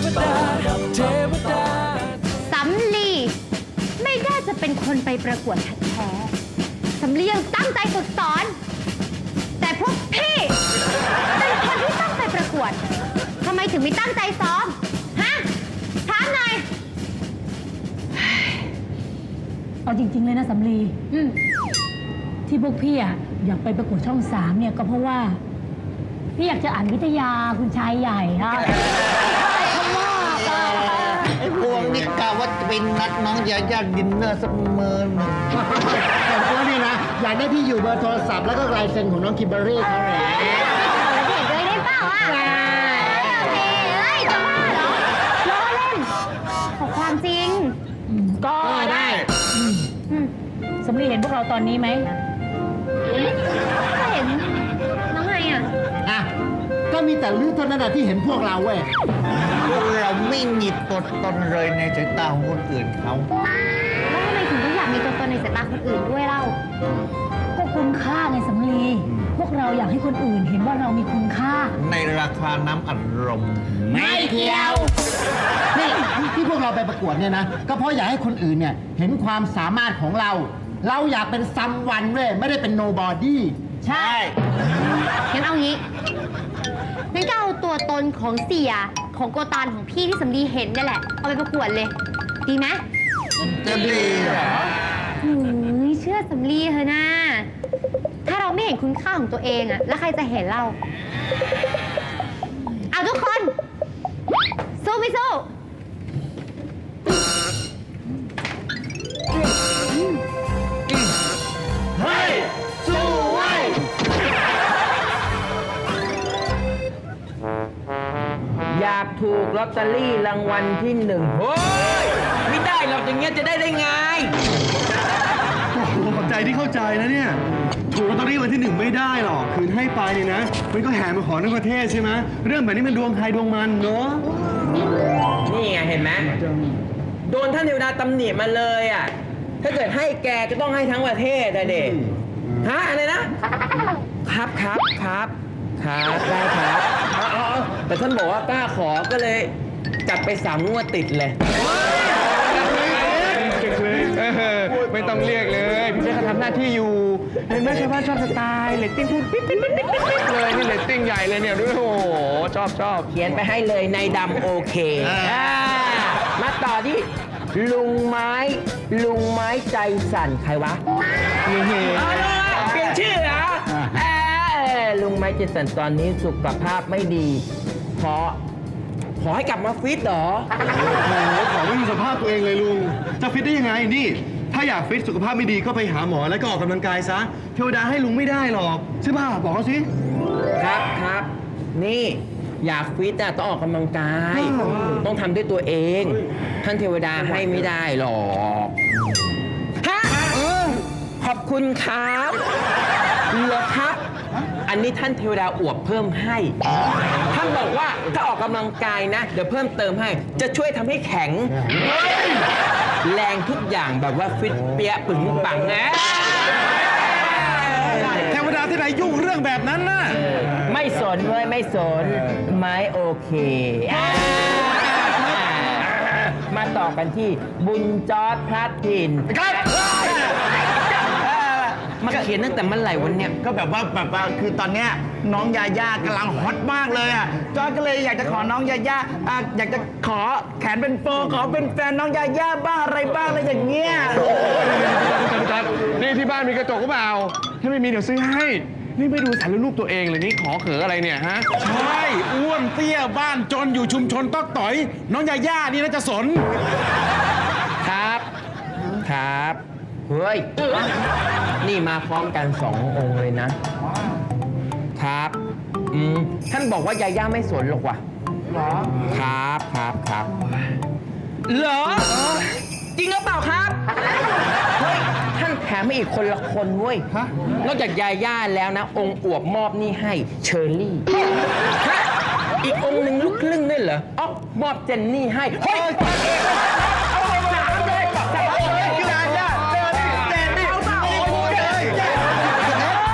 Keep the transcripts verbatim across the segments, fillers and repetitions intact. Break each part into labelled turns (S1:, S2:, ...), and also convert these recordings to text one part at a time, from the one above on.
S1: ดาเทวดา
S2: สำลีไม่ได้จะเป็นคนไปประกวดแท้ๆสำลียังตั้งใจฝึกสอน แต่พวกพี่เป็นคนที่ตั้งใจประกวดทำไมถึงไม่ตั้งใจซ้อมฮะถามหน่อย
S3: เอาจริงๆเลยนะสำลีที่พวกพี่อะอยากไปประกวดช่องสามเนี่ยก็เพราะว่าพี่อยากจะอ่านวิทยาคุณชายใหญ่ค่ะเขาว่า
S4: ไอ้พวกนี่กะว่าจะเป็นนัดน้องยาย่าดินเนอร์สักมื้อหนึ่งแต่พวกนี่นะอยากได้ที่อยู่เบอร์โทรศัพท์แล้วก็ลายเซ็นของน้องคิมเบอร์รี่เขาแหละ
S2: เด็กเลยได้เปล่าอ่ะโอเคเฮ้ยจะบ้าเหรอล้อเล่นขอความจริง
S3: ก็ได้สำลีเห็นพวกเราตอนนี้ไหม
S2: ก็เห็นน้องไงอ่ะ
S4: อ่ะก็มีแต่ลือเท่านั้นที่เห็นพวกเราเว้ยเราไม่มีตัวตนเลยในสายตาของคนอื่นเขา
S2: แล้วทำไมถึงต้องอยากมีตัวตนในสายตาคนอื่นด้วยเล่า
S3: ก็คุณค่าไงสำลีพวกเราอยากให้คนอื่นเห็นว่าเรามีคุณค่า
S4: ในราคาน้ำอัดลม
S3: ไม่เกี่ยว
S4: นี่ที่พวกเราไปประกวดเนี่ยนะก็เพราะอยากให้คนอื่นเนี่ยเห็นความสามารถของเราเราอยากเป็นซัมวันเว้ยไม่ได้เป็นโนบอดี้
S2: ใช่งั้นเอางี้งั้นก็เอาตัวตนของเสียของโกตานของพี่ที่สำลีเห็นนี่แหละเอาไปประกวดเลยดีไหม
S4: จะดีเหรอ
S2: หือเชื่อสำลีเถอะนะถ้าเราไม่เห็นคุณค่าของตัวเองอะแล้วใครจะเห็นเราเอาทุกคนสู้ไม่สู้
S1: เฮ้ยสู้ไว้
S5: อยากถูกลอตเตอรี่รางวัลที่หนึ่งเฮ้ยไม่ได้หรอกอย่างเงี้ยจะได้ได้ไง
S6: โอ้โหขอบใจที่เข้าใจนะเนี่ยถูกลอตเตอรี่วันที่หนึ่งไม่ได้หรอกคืนให้ไปเนี่ยนะมันก็แห่มาขอทั้งประเทศใช่ไหมเรื่องแบบนี้มันดวงใครดวงมันเนาะ
S5: นี่ไงเห็นไหมโดนท่านเทวดาตำหนิมาเลยอ่ะถ้าเกิดให้แกจะต้องให้ทั้งประเทศแต่เด็กฮะอะไรนะครับครับครับครับได้ครับแต่ท่านบอกว่ากล้าขอก็เลยจัดไปสามงวดติดเลย
S6: ไม่ต้องเรียกเลยพี่เจ๊เขาทำหน้าที่อยู่เห็นไหมชาวบ้านชอบสไตล์เรตติ้งพูดปิ๊ดปิ๊ดปิ๊ดปิ๊ดปิ๊ดเลยนี่เรตติ้งใหญ่เลยเนี่ยด้วยโอ้โหชอบชอบ
S5: เขียนไปให้เลยในดำโอเคมาต่อที่ลุงไม้ลุงไม้ใจสั่นใครวะเปลี่ยนชื่อเหรอลุงไม้ใจสั่นตอนนี้สุขภาพไม่ดีเพราะขอให้กลับมาฟิตเหรอ
S6: โอ้โหขอไม่มีสภาพตัวเองเลยลุงจะฟิตได้ยังไงนี่ถ้าอยากฟิตสุขภาพไม่ดีก็ไปหาหมอแล้วก็ออกกำลังกายซะเทวดาให้ลุงไม่ได้หรอกใช่ป่ะบอกเขาสิ
S5: ครับครับนี่อยากฟิตอะต้องออกกำลังกายต้องทำด้วยตัวเองท่านเทวดาให้ไม่ได้หรอกฮะขอบคุณครับเหรอครับอันนี้ท่านเทวดาอวบเพิ่มให้ท่านบอกว่าถ้าออกกำลังกายนะเดี๋ยวเพิ่มเติมให้จะช่วยทำให้แข็งแรงทุกอย่างแบบว่าฟิตเปี้ยปึงปังนะ
S6: เทวดาที่ไหนยุ่งเรื่องแบบนั้นน่ะ
S5: ไม่สนเว้ยไม่สนไม้โอเคมาต่อกันที่บุญจอร์จพลัดถิ่นมันเขียนตั้งแต่เมื่อไหร่วันเนี้ย
S4: ก็แบบว่าแบบว่าคือตอนเนี้ยน้องยาย่ากำลังฮอตมากเลยอ่ะจอยก็เลยอยากจะขอน้องยาย่าอ่ะอยากจะขอแขนเป็นโฟขอเป็นแฟนน้องยาย่าบ้างอะไรบ้างอะไรอย่างเงี้ย
S6: นี่ที่บ้านมีกระจกหรือเปล่าถ้าไม่มีเดี๋ยวซื้อให้นี่ไม่ดูสารรูปตัวเองเลยนี่ขอเขออะไรเนี่ยฮะ
S1: ใช่อ้วนเตี้ยบ้านจนอยู่ชุมชนต๊อกต่อยน้องยาย่านี่น่าจะสน
S5: ครับครับเฮ้ยนี่มาพร้อมกันสององค์เลยนะครับอืมท่านบอกว่ายาย่าไม่สนหรอกว่ะหรอครับครับครับเหรอจริงหรือเปล่าครับเฮ้ยท่านแถมมาอีกคนละคนเว้ยนอกจากยาย่าแล้วนะองค์อวบมอบนี่ให้เชอร์รี่อีกองค์หนึ่งลูกครึ่งด้วยเหรออ๋อมอบเจนนี่ให้เฮ้ย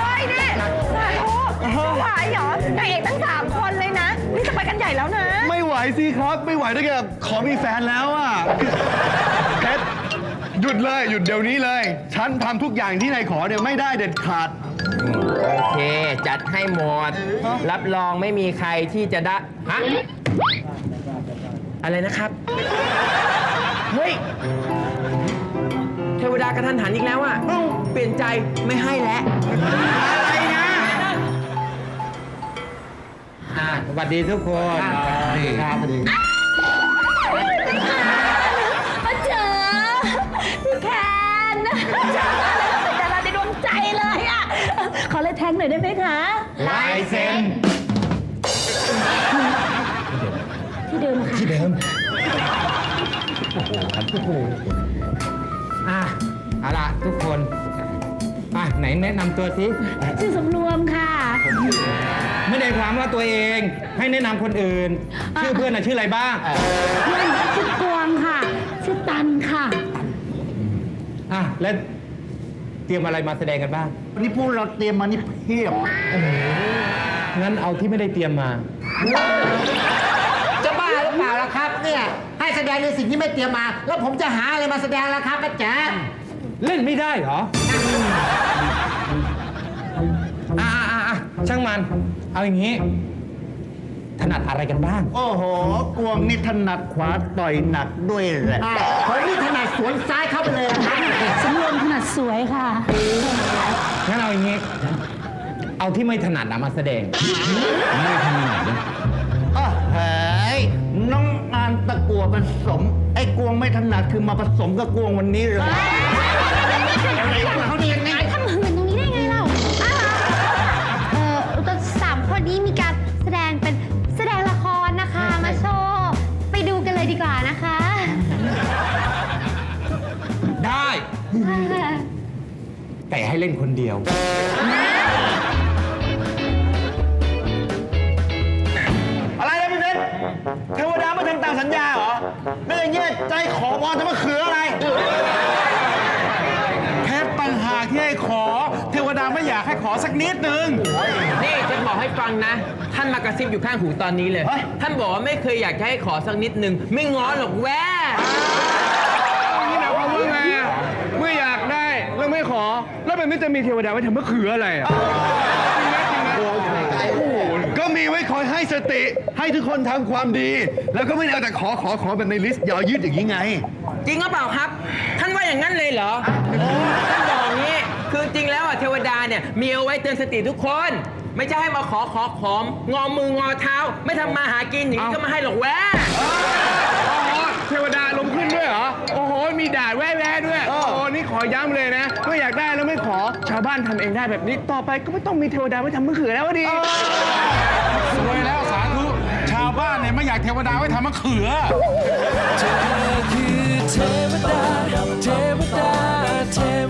S2: ไหวเหรอนางเอกตั้งสามคนเลยนะนี่จะไปกันใหญ่แล้วนะ
S6: ไม่ไหวสิครับ ไม่ไหวด้วยกับขอมีแฟนแล้วอ่ะเพชรหยุดเลยหยุดเดี๋ยวนี้เลย ฉันทำทุกอย่างที่นายขอเนี่ยไม่ได้เด็ดขาด
S5: โอเค จัดให้หมด รับรองไม่มีใครที่จะได้ฮะอะไรนะครับ เฮ้ย เทวดากระทันหันอีกแล้วอ่ะเปลี่ยนใจไม่ให้แล้ว
S4: อะไรนะ
S5: อ่ะสวัสดีทุกคนครับ
S3: มาเจอพี่แคนเป็นดาราในดวงใจเลยอ่ะ ขอเลยแทงหน่อยได้ไหมคะ
S5: ลายเซ็น
S3: ที่เดิมค่ะ
S5: ที่เดิม อ่ะเอาล่ะทุกคนอ่ะไหนแนะนำตัวสิ
S3: ชื่อสำรวมค่ะ
S7: ไม่ได้ความว่าตัวเองให้แนะนำคนอื่น ชื่อเพื่อนน่ะชื่ออะไรบ้าง
S3: เพื่อนชื่อกวางค่ะ ชื่อตันค่ะ
S7: อ่ะ แล้วเตรียมอะไรมาแสดงกันบ้าง
S4: วันนี้พวกเราเตรียมมานี่เพียบ
S7: งั้นเอาที่ไม่ได้เตรียมมา
S8: จะบ้าหรือเปล่าล่ะครับ เนี่ยให้แสดงในสิ่งที่ไม่เตรียมมา แล้วผมจะหาอะไรมาแสดงล่ะครับอาจารย์
S7: เล่นไม่ได้เหรอ อ่ะอ่ะอ่ะอ่ะช่างมัน เอาอย่างนี้ ถนัดอะไรกันบ้าง
S4: โอ้โห กวงนี่ถนัดขวาต่อยหนักด้วยแหละ
S8: อ่าผมนี่ถนัดสวนซ้ายเข้าไปเลยนะครับ
S3: สำรวมถนัดสวยค่ะ
S7: งั้นเอาอย่างนี้ เอาที่ไม่ถนัดนะมาแสดง ไม่ถนัดนะ
S4: อ้าวเฮ้ยน้องอานตะกัวผสม ไอ้กวงไม่ถนัดคือมาผสมกับกวงวันนี้เลย
S8: เขาดียังไง
S2: ทำหื่นตรงนี้ได้ไงเราอ้าวเออแต่สามคนนี้มีการแสดงเป็นแสดงละครนะคะ มาโชว์ ไปดูกันเลยดีกว่านะคะ
S7: ได้ แต่ให้เล่นคนเดียว
S4: อะไรนะพี่เพชรเทวดาไม่ทำตามสัญญาเหรอไม่อย่างเงี้ยใจขอพรจะมาคืออะไร
S1: เพชรต่างหากที่ให้ขอ เทวดาไม่อยากให้ขอสักนิดนึง
S5: นี่จะบอกให้ฟังนะ ท่านมากระซิบอยู่ข้างหูตอนนี้เลย
S4: เฮ้ย
S5: ท่านบอกว่าไม่เคยอยากจะให้ขอสักนิดนึง ไม่ง้อหรอกแว่
S6: นี่หมายความว่าไงอ่ะเมื่ออยากได้แล้วไม่ขอ แล้วแบบนี้จะมีเทวดาไว้ทำมะเขืออะไรอ่ะก็มีไว้คอยให้สติ ให้ทุกคนทำความดี แล้วก็ไม่ได้เอาแต่ขอขอขอแบบในลิสต์ยาวยืดอย่างนี้ไง
S5: จริงหรือเปล่าครับ ท่านว่าอย่างนั้นเลยเหรอท่านบอกงี้ คือจริงแล้วอ่ะเทวดาเนี่ยมีเอาไว้เตือนสติทุกคน ไม่ใช่ให้มาขอขอขอม งอมืองอเท้า ไม่ทำมาหากินอย่างนี้ก็มาให้หรอกแว่
S6: เทวดาลงขึ้นด้วยเหรอ โอ้โห มีด่าแว่ๆด้วย โอ้โห นี่ขอย้ำเลยนะเมื่ออยากได้แล้วไม่ขอ ชาวบ้านทำเองได้แบบนี้ ต่อไปก็ไม่ต้องมีเทวดาไว้ทำมะเขือแล้วดิ
S1: สวยแล้วสาธุ ชาวบ้านเนี่ยไม่อยากเทวดาไว้ทำมะเขือ
S9: เธอคือเท